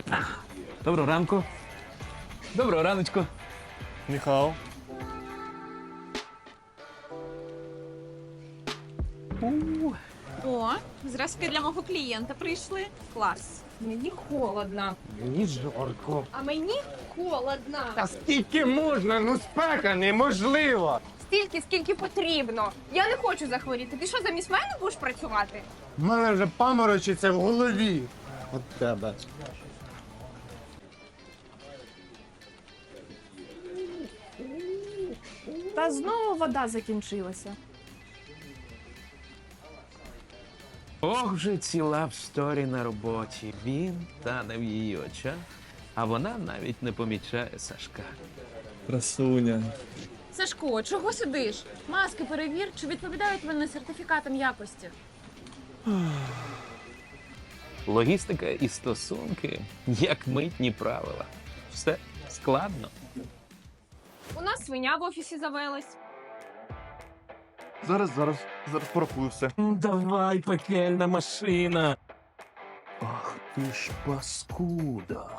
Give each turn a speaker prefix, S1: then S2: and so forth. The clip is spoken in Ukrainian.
S1: Доброго ранку. Доброго раночку.
S2: Міхал.
S3: О, зразки для мого клієнта прийшли. Клас.
S4: Мені холодно.
S2: Мені жарко.
S4: А мені холодно.
S2: Та скільки можна? Ну спека неможливо.
S4: Стільки, скільки потрібно. Я не хочу захворіти. Ти що, замість мене будеш працювати?
S2: У мене вже паморочиться в голові. От тебе.
S5: Та знову вода закінчилася.
S1: Ох, вже ціла в сторі на роботі. Він тане в її очах, а вона навіть не помічає Сашка.
S2: Красуня.
S5: Сашко, чого сидиш? Маски перевір, чи відповідають вони сертифікатам якості.
S1: Логістика і стосунки, як митні правила. Все складно.
S4: У нас свиня в офісі завелась.
S2: Зараз порахую все.
S1: Давай, пекельна машина. Ах ти ж паскуда.